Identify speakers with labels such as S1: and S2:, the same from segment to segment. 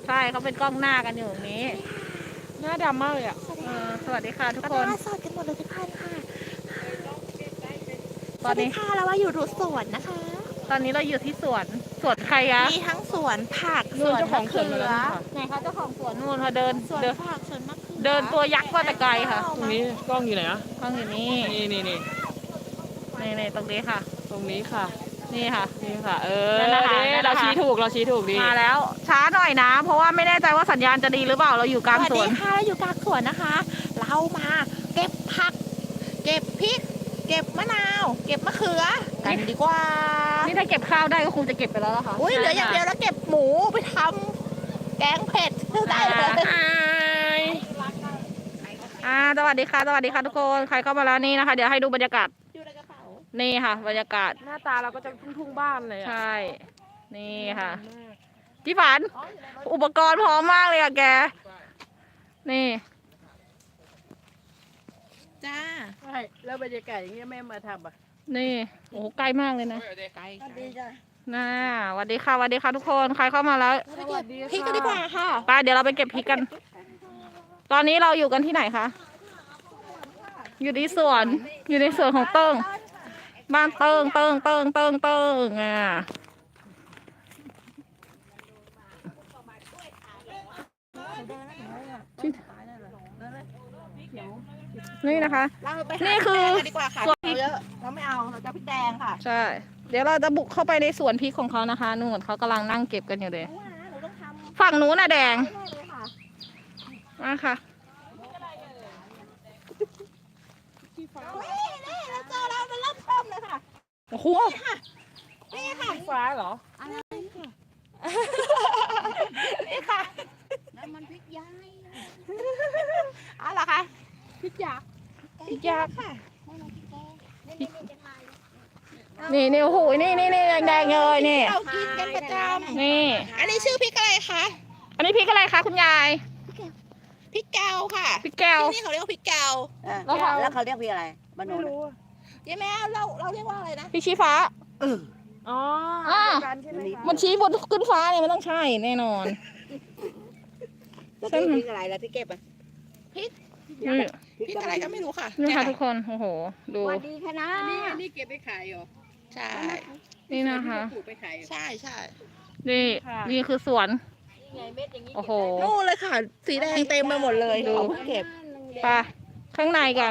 S1: ใช่เขาเป็นกล้องหน้ากันอยู่ตรงนี้
S2: หน้าดำมากเลยอ่ะ
S1: สวัสดีค่ะทุกคน
S3: สดกันหมดเลยทุกท่านค่ะ
S1: ตอนนี้
S3: ค่ะเราว่าอยู่สวนนะคะ
S1: ตอนนี้เราอยู่ที่สวนใครคะ
S3: มีทั้งสวนผักสวนมะเขือ
S1: ไหนคะเจ้าของสวนนู่นค่ะเดิน
S3: สวนผักสวนมะเขือ
S1: เดินตัวยักษ์มาแต่ไกลค่ะ
S2: ตรงนี้กล้องอยู่ไหนอ่ะ
S1: กล้องอยู่นี่
S2: นี่
S1: ตรงนี้ค่ะ
S2: ตรงนี้ค่ะ
S1: นี่ค่ะ
S2: นี่ค่ะ
S1: นั่นนะคะ
S2: เราชี้ถูกดี
S1: มาแล้วช้าหน่อยนะ เพราะว่าไม่แน่ใจว่าสัญญาณจะดีหรือเปล่าเราอยู่กลางสวน
S3: สวัสดีค่ะเราอยู่กลางสวนนะคะ เรามาเก็บผัก เก็บพริก เก็บมะนาว เก็บมะเขือกันดีกว่า
S1: นี่ถ้าเก็บข้าวได้ก็คงจะเก็บไปแล้วล่ะค่ะ
S3: อุ้ยเหลืออย่างเดียวแล้วเก็บหมูไปทำแกงเผ็ดได้เลย
S1: สวัสดีค่ะทุกคนใครเข้ามาแล้วนี่นะคะ เดี๋ยวให้ดูบรรยากาศ
S3: อยู่ในกระเป๋า
S1: นี่ค่ะ บรรยากาศ
S2: หน้าตาเราก็จะทุ่งบ้านเลย
S1: ใช่ นี่ค่ะพี่ฝัน อุปกรณ์พร้อมมากเลยอะแก นี่
S3: จ้า
S2: ใช่แล้วบรรยากาศอย่างเงี้ยแม่มาทำอ่ะ
S1: นี่โอ้โหใกล้มากเลยนะ
S2: ไกล
S3: ดีจ้า
S1: น่าสวัสดีค่ะทุกคนใครเข้ามาแล้ว
S3: พริกกันดีกว่าค่ะ
S1: ไปเดี๋ยวเราไปเก็บพริกกัน ตอนนี้เราอยู่กันที่ไหนคะอยู่ในสวนของเติ้งบ้านเติ้งนี่นะคะ
S3: เราไป
S1: นี่คือ
S3: กันดีกว่าค่ะ
S1: สวนพริก
S3: เยอะเราไม่เอาเราจะพริกแดงค่ะ
S1: ใช่ เดี๋ยวเราจะบุกเข้าไปในสวนพริกของเขานะคะนู่นเขากำลังนั่งเก็บกันอยู่เลย
S3: หนูต้องทำ
S1: ฝั่งนู้นน่ะแดง
S3: แน่เลยค่ะ
S1: มาค่ะ
S3: นี่เราเจอเราเริ่มต้มเลยค่ะ
S1: โอ้โห
S3: นี่ค่ะ
S2: ฟ้าเหรอ
S3: นี่ค่ะ
S4: น้ำมันพริกย้าย
S3: เอาล่ะค่ะ
S2: พริกหยาบ
S1: พริกยักษ์
S3: ค่ะ
S4: น้ำมันพริกแกงนี่จะทาย
S1: นี่โอ้โหนี่แดงๆเลยนี่
S3: เรากินกันประจ
S1: นี่
S3: ำอันนี้ชื่อพริกอะไรคะ
S1: อันนี้พริกอะไรคะคุณยาย
S3: พริกแกวค่ะ
S1: พริกแก้ว
S3: ที่นี่เขาเรียกว่าพริกแกว
S4: แล้วเขาเรียกพี่อะไรบ้านโน้น
S3: ยายแม่เราเรียกว่าอะไรนะ
S1: พริกชี้ฟ้า
S2: อ๋อ
S1: อ่า
S2: กันใช่ไหมคะ
S1: มันชี้บนขึ้นฟ้าเนี่ยมันต้องใช่แน่นอน
S4: แล้วพี่พริกอะไรแล้วพี่เก็บอ่ะ
S1: นี่
S3: พริกอะไรก็ไม่รู้ค่ะ
S1: นี่ค่ะทุกคนโอ้โหดู
S4: สวัสดีค่ะนะ
S2: นี่เก็บไปขายเหรอ
S3: ใช่
S1: นี่นะคะ
S2: ปลูกไปขายเหรอ
S3: ใช่ใช่
S1: นี่
S2: ค่ะ
S1: นี่คือสวน
S4: ไงเม็ดอย่างนี้
S1: โอ้โห
S3: นู่นเลยค่ะ สีแดงเต็มไปหมดเลย
S1: ดู
S3: เขาเพิ่งเก็บ
S1: ไปข้างในกัน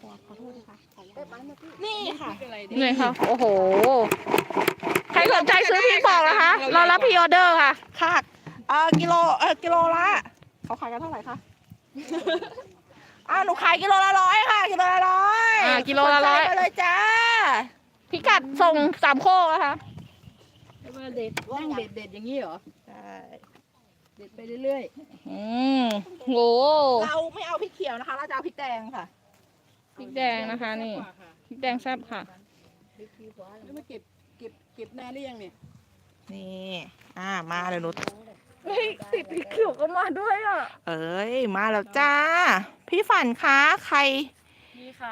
S3: นี่ค่ะ
S2: อะไร
S1: นี่ค่ะโอ้โหใครสนใจซื้อพริกบอกนะคะเรารับพรีออเดอร์ค่ะ
S3: ค่ะกิโลละเขาขายกันเท่าไหร่คะ หนูขายกิโลละ100ค่ะกิโลละ100
S1: กิโลละ100
S3: สนใจไปเลยจ้า
S1: พิกัดส่งสามโคกนะคะ
S2: เด็ดนั่งเด็ดอย่างนี้เหรอ
S3: ใช่
S2: เด็ดไปเรื่อย
S1: อืมโห
S3: เราไม่เอาพริกเขียวนะคะ เราจะเอาพริกแดงค่ะ
S1: พริกแดงนะคะนี่พริกแดงแซ่บค่ะ
S2: แล้วมาเก็บนานหรือยังเนี่ย
S3: นี่มาเลยนุช
S1: เฮ้ยติดพริกเขียวก็มาด้วยอ่ะ
S3: เอ้ยมาแล้วจ้า พี่ฝันคะใคร
S2: นี่ค่ะ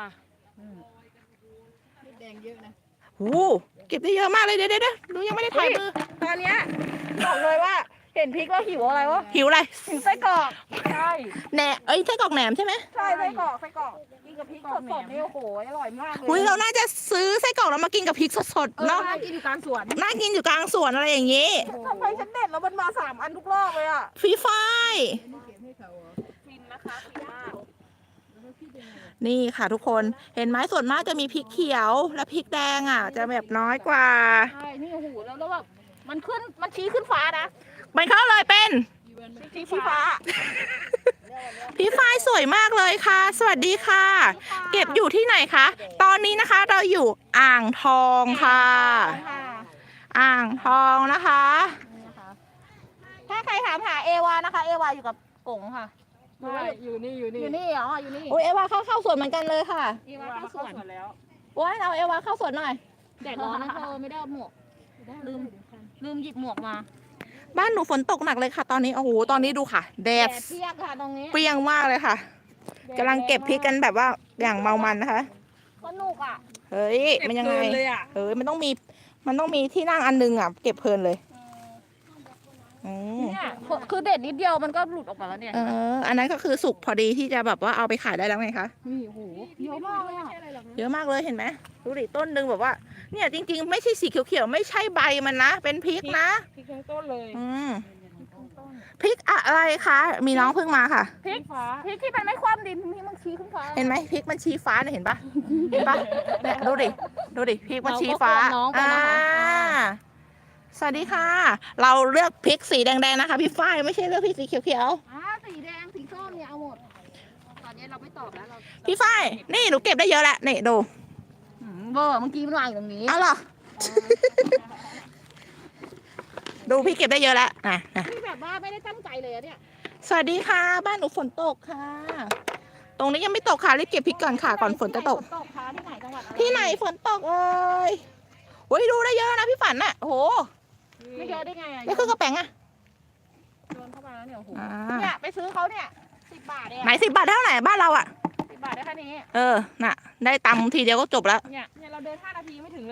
S2: พริกแดงเยอะนะ
S3: หูเก็บได้เยอะมากเลยเดี๋ยวหนูยังไม่ได้ถ่ายมือ
S1: ตอนเนี้ยบอกเลยว่าเห็นพริกแล้วหิวอะไรวะ
S3: หิวอะไร
S1: หิวไส้กรอก
S2: ใช่
S3: แหนไส้กรอกแหนมใช่ไหม
S1: ใช่ไส้กรอกกินกับพริกสดๆนี่โอ้โหอร่อยมากเลย
S3: อุ้ยเราน่าจะซื้อไส้กรอกแล้วมากินกับพริกสดๆเนาะ
S2: น่ากินอยู่กลางสวน
S3: น่ากินอยู่กลางสวนอะไรอย่างนี้
S1: ทำไมฉันเด็ดแล้วมันมา3 อันทุกรอบเลยอ่ะ
S3: ฟรีไฟ
S1: ฟินนะคะฟินมาก
S3: นี่ค่ะทุกคนเห็นไหมส่วนมากจะมีพริกเขียวและพริกแดงจะแบบน้อยกว่า
S1: ใช่นี่โอ้โหแล้วแบบมันชี้ขึ้นฟ้านะ
S3: มันเข้าเลยเป็น
S1: ชี้ฟ้า
S3: พี่ฝ้ายสวยมากเลยค่ะ สวัสดีค่ะ เก็บอยู่ที่ไหนคะ ตอนนี้นะคะเราอยู่อ่างทองค่ะ อ่างทองนะคะ
S1: ถ้าใครถามหาเอวานะคะ เอวาอยู่กับกงค่ะ
S2: อยู่นี่
S1: อยู่นี่เหรออยู่นี่
S3: โอ้ยเอวาเข้าสวนเหมือนกันเลยค่ะ
S1: เอวาเข้าสวน
S2: แล้ว
S3: โอ้ยเอาเอวาเข้าสวนหน่อย
S1: แดดร้อนนะเธอไม่ได้เอาหมวกลืมหยิบหมวกมา
S3: บ้านหนูฝนตกหนักเลยค่ะ ตอนนี้โอ้โหตอนนี้ดูค่ะ แดด
S1: เปียกค่ะตรงนี้
S3: เปรี้ยงมากเลยค่ะกำลังเก็บพริกกันแบบว่าอย่างเมามันนะคะ
S1: สนุกอ่ะ
S3: เฮ้ยมันยังไง
S2: เลยอ่ะ
S3: เฮ้ยมันต้องมีที่นั่งอันนึงเก็บเพลินเลยอ๋อ
S1: เนี่ยคือเด็ดนิดเดียวมันก็หลุดออกมาแล้วเนี่ย
S3: อันนั้นก็คือสุกพอดีที่จะแบบว่าเอาไปขายได้แล้วไงคะ
S1: นี่โอ้โหเยอะมากเลยอ่ะ
S3: เยอะมากเลยเห็นไหมดูดิต้นหนึ่งแบบว่า เนี่ยจริงๆ ไม่ใช่สีเขียวๆไม่ใช่ใบมันนะเป็นพริกนะ
S1: พริกทั้งต้นเลย
S3: พริกอะไรคะมีน้องเพิ่งมาค่ะ
S1: พริกฟ้าพริกที่มันไม่คว่ำดินที่มันชี้ขึ้นฟ้า
S3: เห็นไหมพริกมันชี้ฟ้าเนี่ยเห็นปะเห็นปะเนี่ยดูดิพริกมันชี้ฟ้า
S1: เราก็ควรน้องไปนะคะ
S3: สวัสดีค่ะ เราเลือกพริกสีแดงๆนะคะพี่ฝ้ายไม่ใช่เลือกพริกสีเขียว
S1: สีแดงสีส้มเนี่ยเอาหมดตอนนี้เราไม่ตอบแล้วเรา
S3: ๆพี่ฝ้ายนี่หนูเก็บได้เยอะแล้วนี่ดู
S1: เบอร์เมื่อกี้มันวางอยู่ตรงนี้
S3: เอาเหรอดูพี่เก็บได้เยอะแล้วนะ
S1: ที่แบบว่าไม่ได้ตั้งใจเลยอะเนี่ย
S3: สวัสดีค่ะ บ้านหนูฝนตกค่ะ ตรงนี้ยังไม่ตกค่ะรีบเก็บพริกก่อนค่ะก่อนฝนจะตก
S1: ตกค่ะที่ไหนจังหวัดอะไร
S3: ที่ไหนฝนตกเอ่ยโอ้ยดูได้เยอะนะพี่ฝันน่ะโอ้โห
S1: ไม่เยอะได้ไงอะ
S3: นี่คือกระแป๋งอะ
S1: โยนเข้ามาแล้วเนี่ยโอ้โห
S3: อ่า
S1: เนี่ยไปซื้อเขาเนี่ย10 บาทเอง
S3: ไหน10 บาทเท่าไหร่บ้านเราอะ
S1: 10 บาทได้แค่นี้
S3: น่ะ ได้ตำทีเดียวก็จบแล้ว
S1: เนี่ยเราเดิน5 นาทีไม่ถึงเลย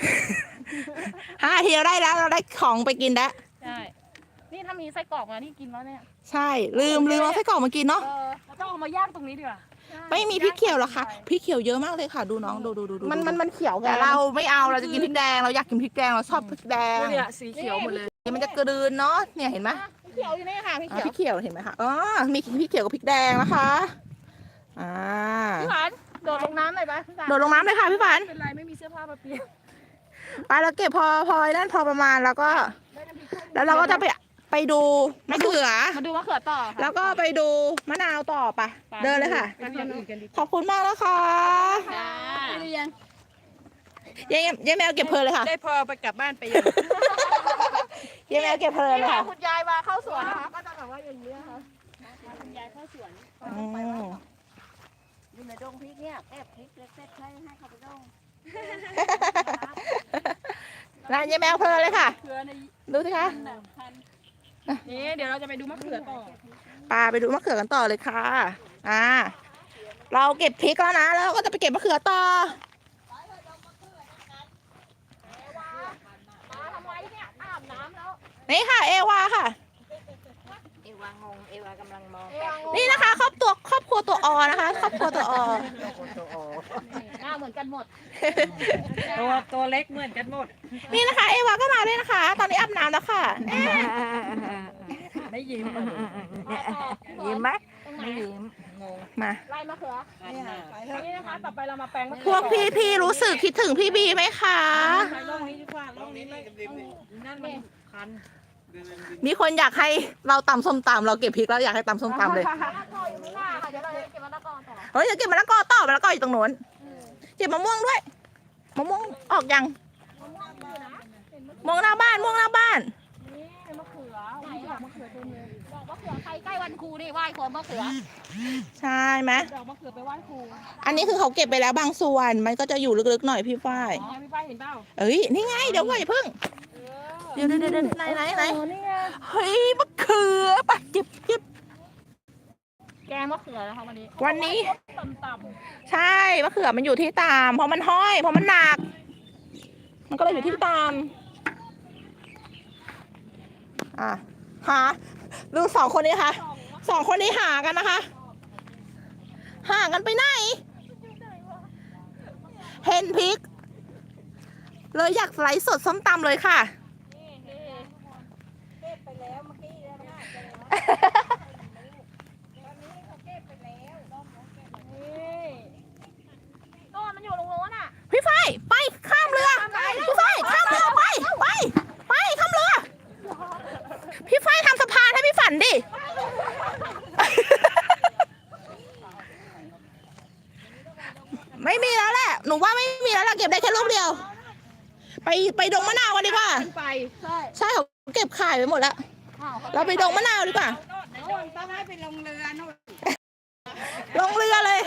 S3: 5 ทีเราได้แล้วเราได้ของไปกินแล้ว
S1: ใช่นี่ถ้ามีไส้กรอกมานี่กินแล้วเนี่ย
S3: ใช่ลืมเอาไส้กรอกมากินเนาะ
S1: เราต้องเอามาย่างตรงนี้ดีกว่า
S3: ไม่มีพริกเขียวหรอคะพริกเขียวเยอะมากเลยค่ะดูน้องดูมันเขียวแต่เราไม่เอาเราจะกินพริกแดงเราอยากกินพริกแดงเราชอบพริกแดง
S1: เนี่ยสีเขียวหมดเลย
S3: มันจะกระดืนเนาะเนี่ยเห็นไหม
S1: เขียวอยู่นี่ค่ะพี่
S3: พ
S1: เขียว
S3: ริกเขียวเห็นไหมคะมีพริกเขียวกับพริกแดงนะคะอ่า
S1: พี่หวานโดดลงน้ำหน่อยปะพี่หวาน
S3: โดดลงน้ำเลยค่ะพี่ฝัน
S1: เป็นไรไม่มีเสื้อผ้ามาเปลี่ยน
S3: ไปเราเก็บพอนั่นพอประมาณแล้วก็ แล้วเราก็จะไปดูมะเขือ
S1: มาดูมะเขือต่อค่ะ
S3: แล้วก็ไปดูมะนาวต่อไปเดินเลยค่ะ
S1: ไปอย่างอื่นกันดี
S3: ขอบคุณมากนะคะ
S1: จ้า
S2: เรียน
S3: ยายแมวเก็บเพลินเลยค่ะ
S2: ได้พอไปกลับบ้านไปยัง
S3: ยายแมวเก็บเพลินเลย
S1: นี่
S3: ค่ะ
S1: คุณยายมาเข้าสวนนะคะก็จะแบบว่าอย่างนี้นะคะคุณยายเข้าสวน
S3: อืม
S4: อยู่ในดงพริกเนี่ยแอบพริกเล็กๆให้เขาไปดง
S3: ร้านยายแมวเพลินเลยค่ะ
S2: เกลือใน
S3: ดูสิคะ
S2: นี่เดี๋ยวเราจะไปดูมะเขือต่อ
S3: ปาไปดูมะเขือกันต่อเลยค่ะเราเก็บพริกแล้วนะแล้วเราก็จะไปเก็บมะเขือต่อ
S1: มาทำไมเนี่ยอาบน้ำแล้ว
S3: นี่ค่ะ เอวาค่ะ
S4: เอวางงเอวากำลังมอง
S3: นี่นะคะครอบครัวตัวอนะคะครอบครัวตัวอ
S1: หน้าเหมือนกันหมด
S2: ตัวเล็กเหมือนกันหมด
S3: นี่นะคะ เอวาก็มาด้วยนะคะ ตอนนี้อาบน้ำแล้วค่ะ
S2: ไม่ยิ้ม
S4: ยิ้มไหม
S1: ตรงไหน
S4: ไม่ยิ้ม
S3: มา
S1: ไล่มะเขือนี่นะคะต่อไปเรามาแปลงมะ
S3: พ
S1: เขื
S3: วกพี่รู้สึกคิดถึงพี่บีไหมคะ
S2: ไปล่องนี้ดีกว่าล่องนี้ไม่นั่นมันคัน
S3: มีคนอยากให้เราตำส้มตำเราเก็บพริกแล้วอยากให้ตำส้มตำเลย
S1: มะละกออยู่ข้างหน้าค่ะเดี๋ยวเราจะเก็บมะละกอต่อ
S3: เฮ้ยจะเก็บมะละกอต่อมะละกออยู่ตรงโน้นเก็บมะม่วงด้วยมะม่วงออกยังมะม่วงหน้าบ้าน
S1: นี่มะเขือไหนดอกมะเขือเต็มเลยดอกมะเขือใครใกล้วันครูนี่ไหว้คนมะเขือ
S3: ใช่ไหม
S1: ดอกมะเขือไปไหว้ครู
S3: อันนี้คือเขาเก็บไปแล้วบางส่วนมันก็จะอยู่ลึกๆหน่อยพี่ฝ้าย
S1: อ๋อพี่ป้ายเห็นเปล่า
S3: เอ้ยนี่ไงเดี๋ยวก่อนอย่าเพิ่งเดี๋ยวไหน
S1: อ๋อนี่ไง
S3: เฮ้ยมะเขือปะเก็บ
S1: แกงมะเขือนะคะวันนี้
S3: วันนี้
S1: ต่ำ
S3: ใช่มะเขือมันอยู่ที่ตามเพราะมันห้อยเพราะมันหนัก มันก็เลยอยู่ที่ตามหาดูสองคนนี้ค่ะสองคนนี้หากันนะคะหากันไปไหนเห็นพริก เลยอยากไลฟ์สดส้มตำเลยค่ะ
S1: ต้นมันอยู่ตรงโน้นอ่ะ
S3: พี่ฝ้ายไปข้ามเรือพี่ฝ้ายข้ามเรือไปข้ามเรือพี่ฝ้ายทำสะพานให้พี่ฝันดิ ไม่มีแล้วแหละหนูว่าไม่มีแล้วล่ะเก็บได้แค่ลูกเดียว ไปดงมะนาวกันดีกว่า
S1: ไปใช่
S3: ใช่เขาเก็บขายไปหมดแล้ว เราไปดงมะนาวดีกว่า
S2: ต้องให้ไปลงเรือนู่น
S3: ลงเรือเลย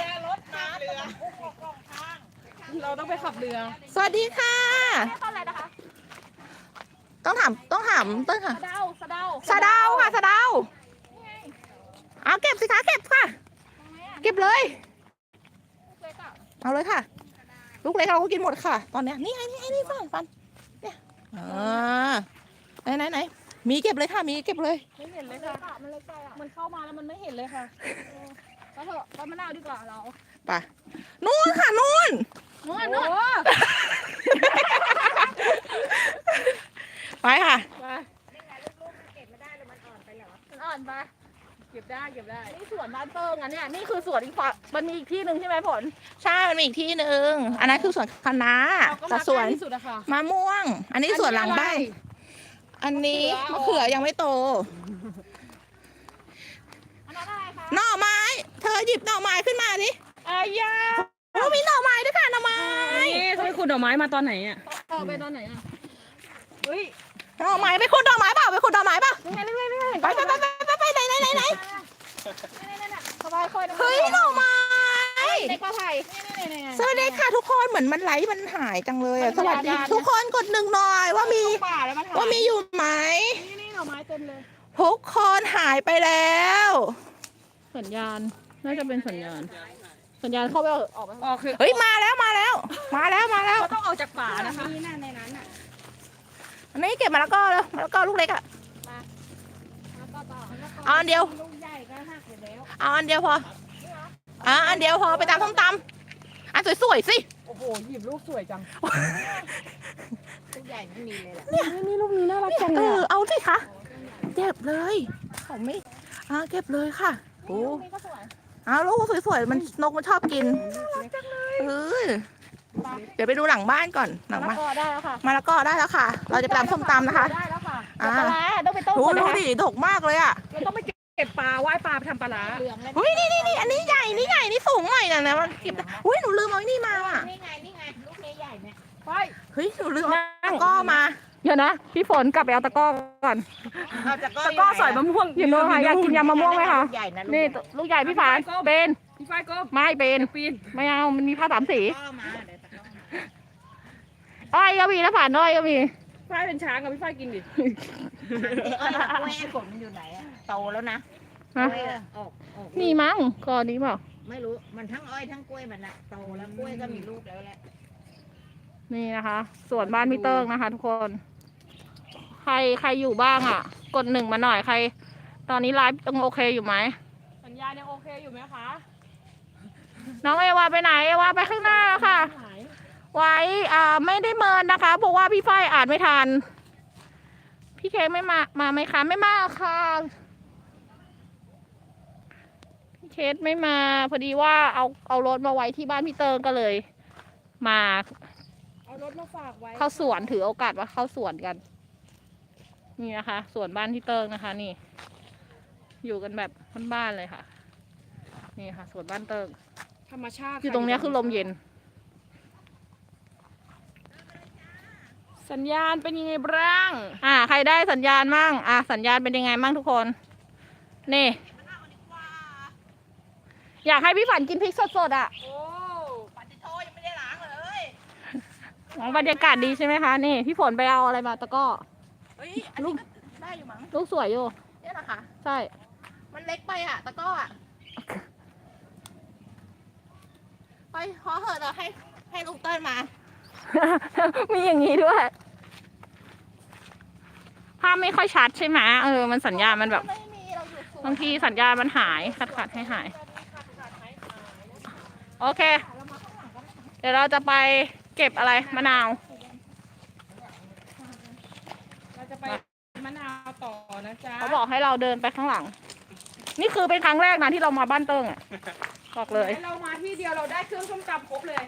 S2: เราต้องไปขับเรือ
S3: สวัสดีค่ะ
S1: ต้นอะไรนะคะ
S3: ต้องถามต้นค่ะ
S1: สะเดา
S3: สะเดาค่ะสะเดาเอาเก็บสิคะเก็บค่ะ เก็บเลย
S1: เล็กอ่ะ
S3: เอาเลยค่ะ ลูกเล็กเราก็กินหมดค่ะ ตอนเนี้ยนี่ไงนี่ฟันเนี่ยไหนมีเก็บเลยค่ะ มีเก็บเลย
S1: ไม่เห็นเลยค่ะมันเลยไกลอ่ะมันเข้ามาแล้วมันไม่เห็นเลยค่ะก็เถอะก็มะนาวดีกว่าเรา
S3: ไปนู่นค่ะนู่น
S1: นู่นนู่น
S3: ไปค่ะ
S1: ไป มันอ่อนไปเก็บได้นี่สวนบ้านเติ้งอ่ะเนี่ยนี่คือสวนอีกฝั่งมันมีอีกที่หนึ่งใช่ไหมผล
S3: ใช่ มันมีอีกที่หนึ่ง อันนั้นคือสวนคะน้า
S1: เราก็
S3: แต่
S1: มา
S3: สวน
S1: ใกล้ที่สุดอะค่ะ
S3: มะม่วง อันนี้สวนหลังบ้าน อันนี้มะเขือยังไม่โต
S1: อันนั้นอะไรคะ
S3: หน่อไม้ เธอหยิบหน่อไม้ขึ้นมาดิ
S1: อายา
S3: โอ้มีหน่อไม้ด้วยค่ะหน่อไม้
S2: นี่เขาไปขุดดอกไม้มาตอนไหนอ่ะ
S1: ไปตอนไหนอ่ะเฮ้ย
S3: หน่อไม้ไปขุดหน่อไม้เปล่าไปขุดหน่อไม้เปล่า
S1: นี่ไงนี่ไงนี่ไง
S3: ไปไหน
S1: สบายค่อย
S3: เฮ้ยหน่อไม้
S1: เด็กปลาไผ่
S3: สวัสดีค่ะทุกคนเหมือนมันไลฟ์มันหายจังเลยอ่ะ
S1: มัน
S3: สวัสดี
S1: ยาวๆ
S3: ทุกคนกดหนึ่งหน่อยว่ามี
S1: ป่าแล้วมันหาย
S3: ว่ามีอยู่ไหม
S1: นี่หน่อไม้เต็มเลย
S3: ทุกคนหายไปแล้ว
S1: สัญญาณน่าจะเป็นสัญญาณเข้าไปออกไป
S2: อ๋อคือ
S3: เฮ้ยมาแล้วมาแล้ว
S2: เขาต้องออกจากป่านะคะ
S3: อันนี้เก็บมะละกอแล้วมะละกอลูกเล็กอ่ะเอาอันเดียวเอาอันเดียวพออันเดียวพอไปตำส้มตำอันสวยๆสิ
S2: โอ้โหหยิบลูกสวยจัง
S1: นี่ลูกนี้น่ารักจัง
S3: เอ
S1: เลย
S3: อเอาสิคะเก็บเลยเขาไม่เก็บเลยค่ะโอ้
S1: นี่ก็สวย
S3: ลูกสวยๆมันนกมันชอบกินเดี๋ยวไปดูหลังบ้านก่อนหลัง
S1: มะ
S3: บ้าน
S1: ละกอได้แล้วค่ะ
S3: มะละกอได้แล้วค่ะ เราจะไปตำส้มตำนะคะ
S1: ได้แล้วค่ะ
S3: อ่า
S1: ปลาร้าต้องไปต้ม
S3: ดู
S1: ก่อน
S3: ดู
S1: นะคะ
S3: ดิดกมากเลยอ่ะ
S2: เราต้องไปเก็บปลาว่ายปลาไปทำปลาร้า
S1: เหลืองเลย
S3: เฮ้ยนี่อันนี้ใหญ่นี่สูงหน่อยนะมันเก็บได้อุ้ยหนูลืมเอาไอ้นี่มาอ่ะ
S4: นี่ไงลูกใหญ่ๆเนี่ย
S2: ไป
S3: เฮ้ยหนูลืมเอาตะกร้อมา
S1: เดี๋ยวนะพี่ฝนกลับไปเอาตะกร้อก่อน
S4: เอาจาก
S2: ตะกร้อสอยมะม่วง
S1: อยู่โน่นค่ะอยากกินยำมะม่วงไหมคะ
S4: ใหญ่นะ
S1: นี่ลูกใหญ่พี่ฝานเป็น
S2: พี่ฝ้ายก็
S1: ไม่เป็น
S2: ปีน
S1: ไม่เอามันมีผ้าสามสี
S4: ก็มาเดี๋ยวตะกร้อมา
S1: อ้อยก็มีนะฝานอ้อยก็มี
S2: ฝ้ายเป็นช้างกับพี่ฝ้ายกินดิ
S4: กล้วยผลมันอยู่ไหนอะโตแล้วนะ
S1: ฮะ
S4: กล้วยอะออก
S1: มีมั้งก่อนนี้เปล่า
S4: ไม่รู้มันทั้งอ้อยทั้งกล้วยมันอะโตแล้วกล้วยก็มีลูกแล้วแหละ
S1: นี่นะคะสวนบ้านพี่เติ้งนะคะ ทุกคน ใครอยู่บ้างอ่ะ กดหนึ่งมาหน่อยใคร ตอนนี้ไลฟ์ต้องโอเคอยู่ไหม
S2: สัญญาณยังโอเคอยู่ไหมคะ
S1: น้องเอวาไปไหนเอวาไปข้างหน้าแล้วค่ะ
S2: หาย
S1: ไว้ไม่ได้เมินนะคะเพราะว่าพี่ฝ้ายอ่านไม่ทัน พี่เค้กไม่มาไหมคะไม่มาค่ะพี่เค้กไม่มาพอดีว่าเอารถมาไว้ที่บ้านพี่เติงก็เลย มา
S2: เอารถมาฝากไว้
S1: เข้าสวนถือโอกาสว่าเข้าสวนกัน นี่นะคะสวนบ้านพี่เติงนะคะ นี่ อยู่กันแบบบ้านๆเลยค่ะ นี่ค่ะสวนบ้านเติง
S2: ธรรมชาติ
S1: อยู่ตรงเนี้ยคือลมเย็น
S2: สัญญาณเป็นยังไงบ้าง
S1: ใครได้สัญญาณมั่งสัญญาณเป็นยังไงมั่งทุกคน นี่ อยากให้พี่ฝันกินพริกสดๆอ่ะ
S2: โอ้
S3: ปัดโทยังไม่ได้ล้างเลย
S1: บรรยากาศดีใช่ไหมคะ นี่ พี่ฝนไปเอาอะไรมาตะกร้อ
S3: เฮ้ยอันนี้ก็ได้อยู่มั้ง
S1: ลูกสวยอยู่
S3: เนี่ยนะคะ
S1: ใช่
S3: มันเล็กไปอ่ะตะกร้ออ่ะไปขอเหอะเราให้ลุงเติ้ลมา
S1: มีอย่างนี้ด้วย ภาพไม่ค่อยชัดใช่ไหมมันสัญญาณมันแบบ
S3: ไม่มีเราอยู่สวน
S1: บางทีสัญญาณมันหายขัดให้หาย โอเค เดี๋ยวเราจะไปเก็บอะไรมะนาว
S2: เราจะไปมะนาวต่อนะจ๊ะ
S1: เขาบอกให้เราเดินไปข้างหลัง นี่คือเป็นครั้งแรกนะที่เรามาบ้านเติ้งอ่ะ บอกเลย
S2: เรามาที่เดียวเราได้เครื่องส้มตำครบเลย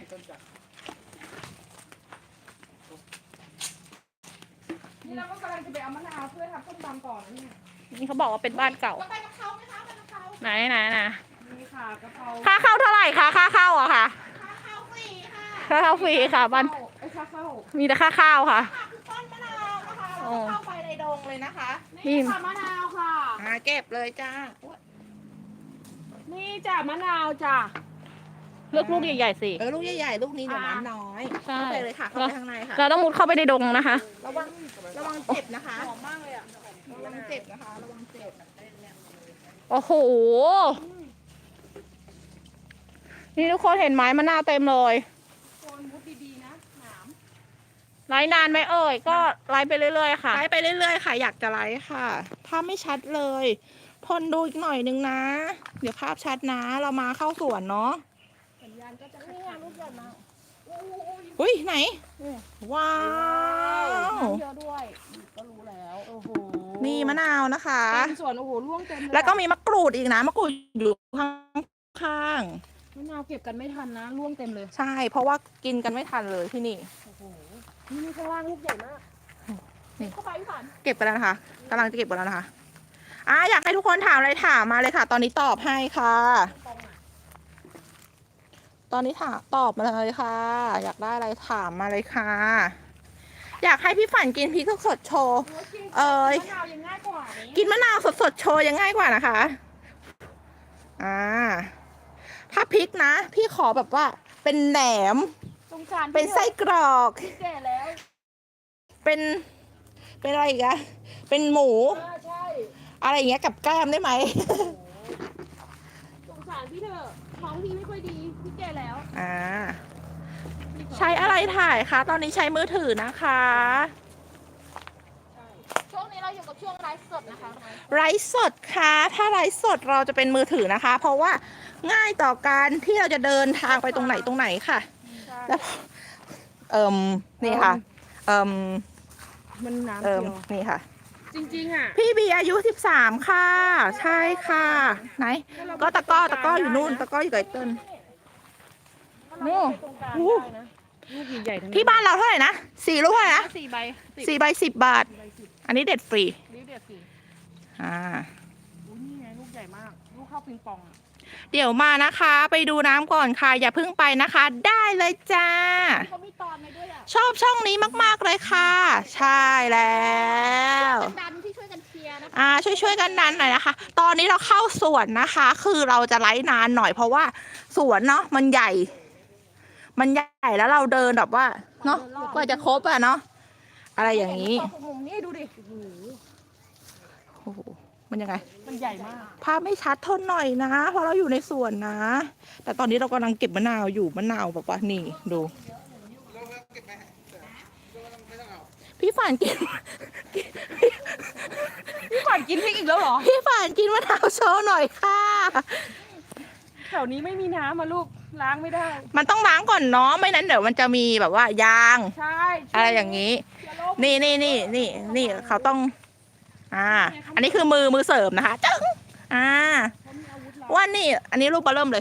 S2: นี่เราก็กำลังจะไปเอามะนาวเพื่อทำส้มตำก่อนนี่
S1: นี่เขาบอกว่าเป็นบ้านเก่า
S3: ไปกับเขาไหมคะไปกับเขา
S1: ไหนนะ
S2: มีข่ากะเพรา
S1: ค่าเข้าเท่าไหร่คะค่าเข้าอะค่ะ
S3: ข้าวฟรีค่ะ
S1: ค่าเข้าฟรีค่ะบ้าน
S2: ไอ้ข้าวเข้า
S1: มีแต่ค่าข้าวค่ะ
S3: คือต้นมะนาวนะคะเราก็เข้าไปในดงเลยนะคะ
S1: นี่
S2: นี่ค่ะมะนาวค่ะ
S3: เก็บเลยจ้า
S2: นี่จ้ะมะนาวจ้ะ
S1: เลือกลูกใหญ่ๆสิ
S3: ลูกใหญ่ๆลูกนี้เดี๋ยวน้ำน้อย
S1: ใช่
S3: เข้าไปเลยค่ะเข้าไปข้างในค่ะ
S1: เราต้องมุดเข้าไปในดงนะคะ
S3: ระวังเจ็บนะคะ
S2: หอมมากเลยอ่ะ
S3: ระวังเจ็บนะคะระวังเจ็บ
S1: โอ้โห นี่ทุกคนเห็นไหมมะนาวเต็มเลย
S2: โคนมุดดีๆนะหนาม
S1: ไลฟ์นานไหมเอ่ยก็ไลฟ์ไปเรื่อยๆค่ะ
S3: ไลฟ์ไปเรื่อยๆค่ะ อยากจะไลฟ์ค่ะ ถ้าไม่ชัดเลยทนดูอีกหน่อยนึงนะ เดี๋ยวภาพชัดนะ เรามาเข้าสวนเนาะ
S2: สัญญาณก็จะ
S1: นี่ลูกใหญ่มาก
S3: อุ้ยไหน ว้าว
S2: เยอะด้วยก็รู้แล้วโอ้โห
S3: นี่มะนาวนะคะ
S2: เต็มสวนโอ้โหร่วงเต็มเลย
S3: แล้วก็มีมะกรูดอีกนะมะกรูดอยู่ข้าง
S2: มะนาวเก็บกันไม่ทันนะร่วงเต็มเลย
S3: ๆใช่ เพราะว่ากินกันไม่ทันเลยที่นี่
S2: โอ้โหนี่ข้างล่างลูกใหญ่มาก
S3: นี่
S2: เข้าไปพี่ฝัน
S3: เก็บกันแล้วนะคะกำลังจะเก็บกันแล้วนะคะอยากให้ทุกคนถามอะไรถามมาเลยค่ะ ตอนนี้ตอบให้ค่ะ ตอนนี้ถามตอบมาเลยค่ะ อยากได้อะไรถามมาเลยค่ะ อยากให้พี่ฝันกินพริกสดๆโชว์ เอ้ย
S2: มะนาวยังง่ายกว่านี้
S3: กินมะนาวสดๆโชว์ยังง่ายกว่านะคะ ถ้าพริกนะ พี่ขอแบบว่าเป็นแหนม
S2: สงสาร
S3: เป็นไส้กรอก
S2: พี่แก่แล้ว
S3: เป็นอะไรอีกอะเป็นหมู
S2: ใช่
S3: อะไรอย่างเงี้ยกับแกล้มได้ไหม
S2: สงสารพี่เถอะท้องพี่ไม่ค่อยดีพี่แก่แล้ว
S3: ใช้อะไรถ่ายคะตอนนี้ใช้มือถือนะคะ
S1: ช่วงนี้เราอยู่กับช่วงไลฟ์สดนะคะ
S3: ไลฟ์สดค่ะ ถ้าไลฟ์สดเราจะเป็นมือถือนะคะ เพราะว่าง่ายต่อการที่เราจะเดินทางไปตรงไหนค่ะ แล้วนี่ค่ะ
S2: มันน้ำ
S3: เ
S2: เขียว
S3: นี่ค่ะ
S2: จริงๆอ่ะ
S3: พี่บีอายุ13ค่ะ ใช่ค่ะ ไหน ก็ตะกร้ออยู่นู่น ตะกร้ออยู่กับไอ้เติ้ล
S2: โน่ตรงกลางได้นะลูกใหญ่ๆทั้งนั้น
S3: ที่บ้านเราเท่าไหร่นะ4 ลูกเท่าไหร่นะ
S1: 4 ใบ
S3: 4 ใบ 10 บาท อันนี้เด็ดฟรี
S1: ริ้วเดียวสิ
S2: อุ้ยนี่ไงลูกใหญ่มาก ลูกเข้าปิงปองอะ
S3: เดี๋ยวมานะคะ ไปดูน้ำก่อนค่ะ อย่าเพิ่งไปนะคะ ได้เลยจ้า
S1: เขามีตอนในด้วยอ่ะ
S3: ชอบช่องนี้มากๆเลยค่ะ ใช่แล้ว
S1: ดันที่ช่วยกันเชียร์นะคะ
S3: ช่วยกันดันหน่อยนะคะ ตอนนี้เราเข้าสวนนะคะ คือเราจะไลฟ์นานหน่อยเพราะว่าสวนเนาะมันใหญ่ แล้วเราเดินแบบว่าเนาะกว่าจะครบอะเนาะอะไรอย่างนี้
S2: มุมนี้ดูดิโอ้โห
S3: โอ้โหมันยังไง
S2: มันใหญ่มาก
S3: ภาพไม่ชัดทนหน่อยนะ เพราะเราอยู่ในสวนนะ แต่ตอนนี้เรากำลังเก็บมะนาวอยู่มะนาวแบบว่านี่ดู พี่ฝันกิน
S2: พี่ขวัญกินพริกอีกแล้วเหรอ
S3: พี่ฝันกินมะนาวโชว์หน่อยค่ะ
S2: แถวนี้ไม่มีน้ำมาลูกล้างไม่ได้
S3: มันต้องล้างก่อนเนาะไม่นั้นเดี๋ยวมันจะมีแบบว่ายาง
S2: ใช่
S3: อะไรอย่างนี้
S2: เชื้อโรค
S3: นี่เขาต้อง อันนี้คือมือเสริมนะคะจึ้ง
S2: เขามีอาวุธเรา
S3: ว่านี่ อันนี้รูปเบอร์เริ่มเลย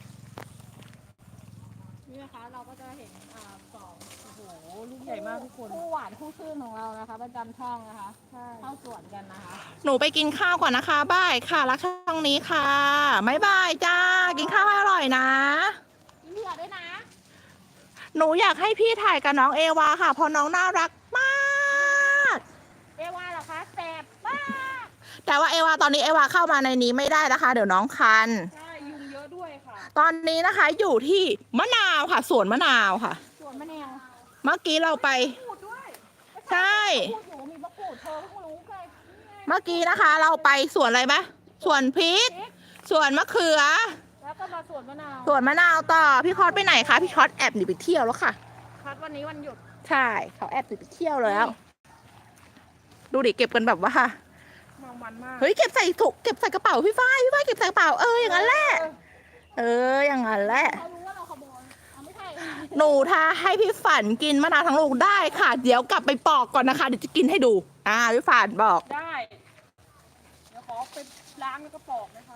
S1: นี่นะคะเราก็จะเห็นสอง
S2: โอ้โหลูกใหญ่มากทุกคน
S1: คู่หวานคู่ชื่นของเรานะคะประจำช่องนะคะเข้าสวนกันนะคะ
S3: หนูไปกินข้าวก่อนนะคะบายค่ะรักช่องนี้ค่ะบ๊ายบายจ้า กินข้าวให้อร่อยนะ
S1: กินเหลือด้วยนะ
S3: หนูอยากให้พี่ถ่ายกับน้องเอวาค่ะเพราะน้องน่ารักมาก
S1: เอวาเหรอคะแสบมาก
S3: แต่ว่าเอวาตอนนี้เอวาเข้ามาในนี้ไม่ได้นะคะ เดี๋ยวน้องคัน
S2: ใช่ยุงเยอะด้วยค่ะ
S3: ตอนนี้นะคะอยู่ที่มะนาวค่ะสวนมะนาวค่ะ
S1: สวนมะนาว
S3: เมื่อกี้เราไป
S2: พูดด้วย
S3: ใช่
S1: พูดอยู่ว่ามีมะกรูดเธอเพิ่งรู้ไง
S3: เมื่อกี้นะคะ เราไปสวนอะไรไหมสวนพริกสวนมะเขือ
S1: แล้วก็มาสวนมะนาว
S3: สวนมะนาวต่อพี่คอสไปไหนคะพี่คอสแอบหนีไปเที่ยวแล้วค่ะ
S1: คัดวันนี้วันหยุด
S3: ใช่เขาแอบหนีไปเที่ยวแล้ว ดูดิเก็บกันแบบว่า
S2: มองมันมาก
S3: เฮ้ยเก็บใส่ถุงเก็บใส่กระเป๋าพี่ฝ้ายเก็บใส่กระเป๋าอย่างนั้นแหละอย่างนั้นแหละ
S1: เขารู้ว่าเราขโมยไม่ใช่
S3: หนูถ้าให้พี่ฝันกินมะนาวทั้งลูกได้ค่ะ เดี๋ยวกลับไปปอกก่อนนะคะเดี๋ยวจะกินให้ดูพี่ฝันบอก
S2: ได้ เดี๋ยวขอไปล้างแล้วก็ปอกนะคะ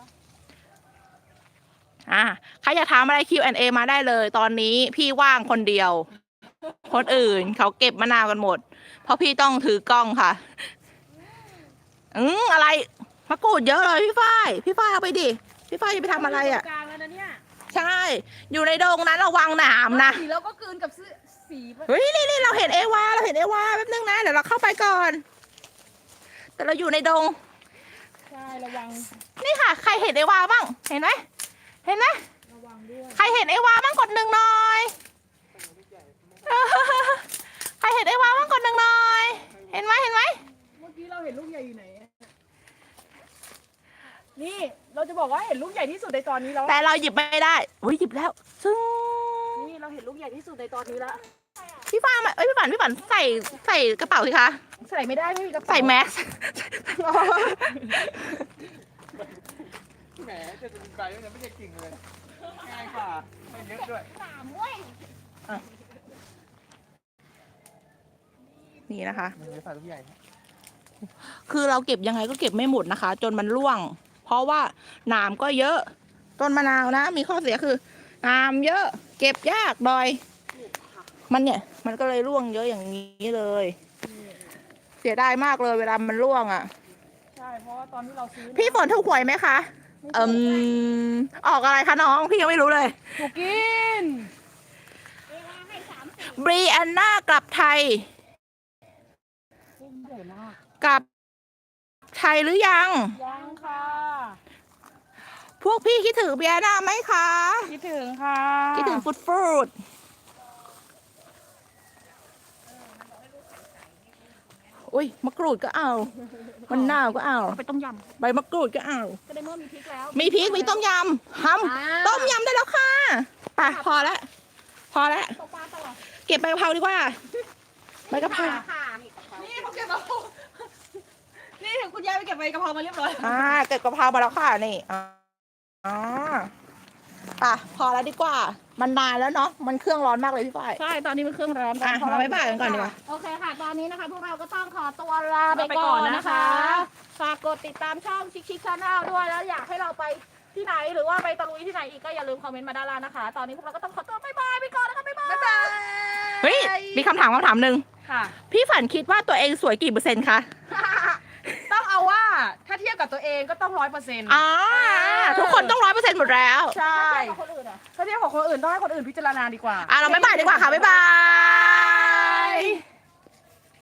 S3: ใครอยากถามอะไร Q&A มาได้เลย ตอนนี้พี่ว่างคนเดียว คนอื่นเขาเก็บมะนาวกันหมด เพราะพี่ต้องถือกล้องค่ะอะไรมะกรูดเยอะเลยพี่ฝ้ายเอาไปดิพี่ฝ้ายจะไปทำอะไรอ่ะ
S2: กลางแล้วนะเนี่ย
S3: ใช่ อยู่ในดงนั้นระวังหนามนะ
S2: สีแล้วก็กลืนกับสี
S3: เฮ้ยนี่เราเห็นเอวาแป๊บนึงนะเดี๋ยวเราเข้าไปก่อน แต่เราอยู่ในดง
S2: ใช่ระวัง
S3: นี่ค่ะ ใครเห็นเอวาบ้างเห็นไหม
S2: ระวังด้วย
S3: ใครเห็นเอวาบ้างกดหนึ่งหน่อยใครเห็นเอวาบ้างกดหนึ่งหน่อยเห็นไหม
S2: เมื่อกี้เราเห็นลูกใหญ่อยู่ไหนอะนี่เราจะบอกว่าเห็นลูกใหญ่ที่สุดในตอนนี้แล้ว
S3: แต่เราหยิบไม่ได้อุ้ยหยิบแล้วซึ่ง
S2: นี่เราเห็นลูกใหญ่ที่สุดในตอนนี้แล้ว
S3: พี่ฟ้ามาพี่ฝันใส่กระเป๋าสิคะ
S2: ใส่ไม่ได้ไม่มีกระเป๋า
S3: ใส่แมส
S5: แหมจะเป็นไปแล้วไม่ได้กิ่งเลย ง่ายกว่า ไม่เยอะด้วย
S3: นี่นะคะ
S5: มันเลยฝาลูกใหญ่
S3: คือเราเก็บยังไงก็เก็บไม่หมดนะคะ จนมันร่วง เพราะว่าหนามก็เยอะ ต้นมะนาวนะ มีข้อเสียคือหนามเยอะ เก็บยากดอย มันก็เลยร่วงเยอะอย่างนี้เลย เสียดายมากเลยเวลามันร่วงอ่ะ
S2: ใช่เพราะว่าตอนที่เราซื้อ
S3: พี่ฝนถูกหวยไหมคะออกอะไรคะน้อง พี่ยังไม่รู้เลย
S2: ถูกกิน
S3: บรีแอนนากลับไทย
S2: ใหญ่มาก
S3: กลับไทยหรือยัง
S2: ยังค่ะ
S3: พวกพี่คิดถึงบรีแอนนาไหมคะ
S2: คิดถึงค่ะ
S3: คิดถึงฟูดอุ้ยมะกรูดก็เอามันนาวก็เอา
S1: ไปต้มย
S3: ใบมะกรูดก็เอา
S1: ำก็ได้เมื่อมีพริกแล้ว
S3: มีพริกมีต้มยำต้มยำได้แล้วค่ะไปพอแล้ว
S1: ตกปลาตลอด
S3: เก็บใบกะเพราดีกว่าใบกะเพรา
S2: นี่เขาเก็บมานี่คุณยายไปเก็บใบกะเพรามาเรียบร้อย
S3: เก็บกะเพรามาแล้วค่ะนี่ไปพอแล้วดีกว่า มันนานแล้วเนาะมันเครื่องร้อนมากเลยพี่ฝ้าย
S1: ใช่ ตอนนี้มันเครื่องร้อน
S3: เราไม่บ่ายกันก่อนดีกว่า
S1: โอเคค่ะ ตอนนี้นะคะพวกเราก็ต้องขอตัวลาไปก่อนนะคะ ฝากกดติดตามช่องชิคชิคชาแนลด้วย แล้วอยากให้เราไปที่ไหนหรือว่าไปตะลุยที่ไหนอีกก็อย่าลืมคอมเมนต์มาด้านล่างนะคะ ตอนนี้พวกเราก็ต้องขอตัวบ๊ายบายไปก่อนนะคะบ๊ายบาย
S3: เฮ้ยมีคำถามหนึ่ง
S2: ค่ะ
S3: พี่ฝันคิดว่าตัวเองสวยกี่เปอร์เซ็นต์คะ
S2: ต้องเอาว่าถ้าเทียบกับตัวเองก็ต้อง100%
S3: ทุกคนต้อง100%หมดแล้ว
S2: ใช่
S1: คนอื่นอ่ะ
S2: ถ้าเทียบกับคนอื่นต้องให้คนอื่นพิจารณาดีกว่า
S3: เราไม่บ่ายดีกว่าค่ะบ๊ายบาย